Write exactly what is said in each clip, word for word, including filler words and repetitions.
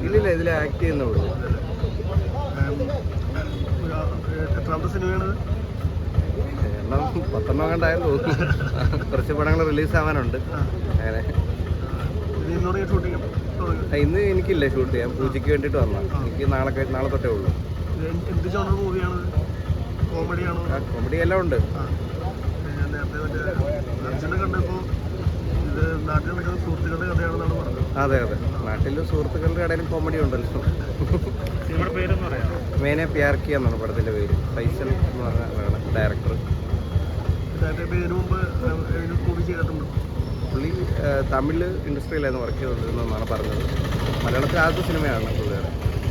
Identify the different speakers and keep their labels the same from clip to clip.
Speaker 1: ഇല്ലില്ല, ഇതിൽ ആക്ട് ചെയ്യുന്നുള്ളൂ.
Speaker 2: എത്രാമത്തെ സിനിമയാണ്?
Speaker 1: എണ്ണം പത്തെണ്ണം കണ്ടായെന്ന് തോന്നുന്നു. കുറച്ച് പടങ്ങൾ റിലീസ് ആവാനുണ്ട്. അങ്ങനെ ഇന്ന് എനിക്കില്ല ഷൂട്ട് ചെയ്യാൻ, പൂജയ്ക്ക് വേണ്ടിയിട്ട് വന്നാൽ. എനിക്ക് നാളെ നാളെ തൊട്ടേ ഉള്ളൂ. കോമഡി എല്ലാം ഉണ്ട്. അതെ അതെ, നാട്ടിലും സുഹൃത്തുക്കളുടെ കടയിലും കോമഡി ഉണ്ടല്ലോ. മേനെ പ്യാർക്കി എന്നാണ് പടത്തിൻ്റെ പേര്. ഫൈസൽ എന്ന് പറഞ്ഞ ഡയറക്ടർ. പുള്ളി തമിഴ് ഇൻഡസ്ട്രിയിലായിരുന്നു വർക്ക് ചെയ്തുകൊണ്ടിരുന്നതെന്നാണ് പറഞ്ഞത്. മലയാളത്തിൽ ആദ്യത്തെ സിനിമയാണ് പുള്ളിയുടെ.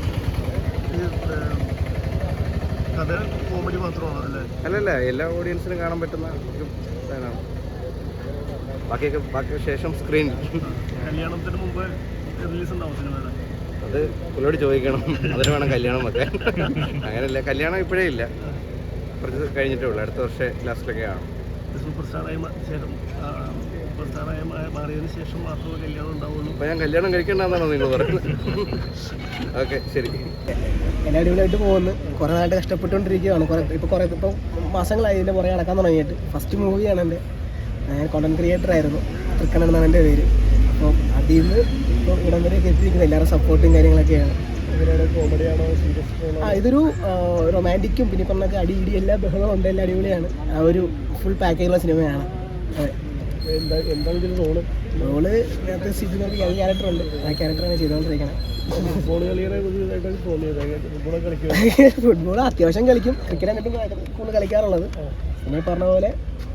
Speaker 1: അല്ലല്ല, എല്ലാ ഓഡിയൻസിനും കാണാൻ പറ്റുന്ന ഒരു സാധനമാണ്. ബാക്കിയൊക്കെ ബാക്കി ശേഷം സ്ക്രീൻ.
Speaker 2: കല്യാണത്തിന് മുമ്പ് റിലീസ് ഉണ്ടാവും സിനിമ?
Speaker 1: അത് പുള്ളിയോട് ചോദിക്കണം, അതിന് വേണം കല്യാണം വെക്കാൻ. അങ്ങനെയല്ല, കല്യാണം ഇപ്പോഴേ ഇല്ല, കുറച്ച് കഴിഞ്ഞിട്ടേ ഉള്ളൂ. അടുത്ത വർഷം ലാസ്റ്റിലൊക്കെ ആണ്.
Speaker 2: സൂപ്പർ സ്റ്റാറായി സൂപ്പർ സ്റ്റാറായി മാറിയതിന് ശേഷം മാത്രമേ കല്യാണം ഉണ്ടാവുള്ളൂ.
Speaker 1: അപ്പോൾ ഞാൻ കല്യാണം കഴിക്കേണ്ടെന്നാണോ നിങ്ങൾ പറയുന്നത്? ഓക്കെ, ശരി.
Speaker 3: എല്ലാ അടിപൊളിയായിട്ട് പോകുന്നു. കുറേ നാളായിട്ട് കഷ്ടപ്പെട്ടുകൊണ്ടിരിക്കുകയാണ്. കുറേ ഇപ്പോൾ കുറേ ഇപ്പോൾ മാസങ്ങളായി ഇതിൻ്റെ പുറകെ നടക്കാൻ തുടങ്ങിയിട്ട്. ഫസ്റ്റ് മൂവിയാണ് എൻ്റെ. ഞാൻ കോണ്ടന്റ് ക്രിയേറ്റർ ആയിരുന്നു. തൃക്കണ്ണൻ എന്നാണ് എൻ്റെ പേര്. അപ്പോൾ അതിൽ നിന്ന് ഇപ്പോൾ ഇടം വരെയൊക്കെ എത്തിയിരിക്കുന്നത് എല്ലാവരും സപ്പോർട്ടും കാര്യങ്ങളൊക്കെയാണ്.
Speaker 2: കോമഡിയാണോ സീരിയസ്?
Speaker 3: ആ ഇതൊരു റൊമാൻറ്റിക്കും പിന്നെ പറഞ്ഞൊക്കെ അടി ഇടി എല്ലാ ബഹളവും ഉണ്ട്. എല്ലാം അടിപൊളിയാണ്. ആ ഒരു ഫുൾ പാക്കേജുള്ള സിനിമയാണ്. അതെ.
Speaker 2: എന്താ എന്താണ് ഇതിൽ റോള്?
Speaker 3: റോള് നേരത്തെ സിറ്റിനൊരു ക്യാരക്ടറുണ്ട്. ആ ക്യാരക്ടറാണ് ചെയ്തുകൊണ്ടിരിക്കുന്നത്.
Speaker 2: ഫുട്ബോൾ കളിയുടെ പുതിയതായിട്ടാണ് തോന്നിയത്. ഫുട്ബോൾ കളിക്കും?
Speaker 3: ഫുട്ബോൾ അത്യാവശ്യം കളിക്കും. ക്രിക്കറ്റ് എന്നിട്ടും കൂടുതൽ കളിക്കാറുള്ളത്. നമ്മൾ പറഞ്ഞ പോലെ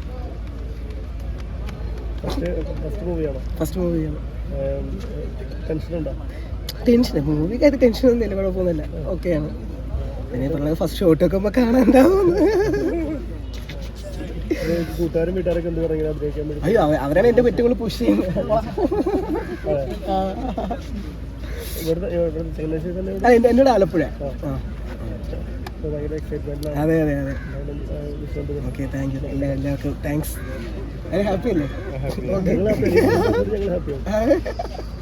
Speaker 2: ഫസ്റ്റ് മൂവിയാണോ?
Speaker 3: ഫസ്റ്റ് മൂവിയാണ്.
Speaker 2: ടെൻഷനുണ്ടോ?
Speaker 3: ടെൻഷൻ മൂവിക്കായിട്ട് ടെൻഷനൊന്നുമില്ല, കുഴപ്പമൊന്നുമില്ല, ഓക്കെയാണ്. പിന്നെ പറഞ്ഞത് ഫസ്റ്റ് ഷോട്ട് വെക്കുമ്പോൾ കാണാൻ എന്താവും.
Speaker 2: കൂട്ടുകാരും വീട്ടുകാരൊക്കെ എന്ത് പറയുന്നത് അഭിനയിക്കാൻ വേണ്ടി?
Speaker 3: അയ്യോ, അവരാണ് എൻ്റെ പെറ്റുകൾ പുഷ് ചെയ്യുന്നത്. എന്നോട് ആലപ്പുഴ. അതെ അതെ അതെ. Okay, thank you. എല്ലാ എല്ലാവർക്കും താങ്ക്സ്. ഹാപ്പി അല്ലേ?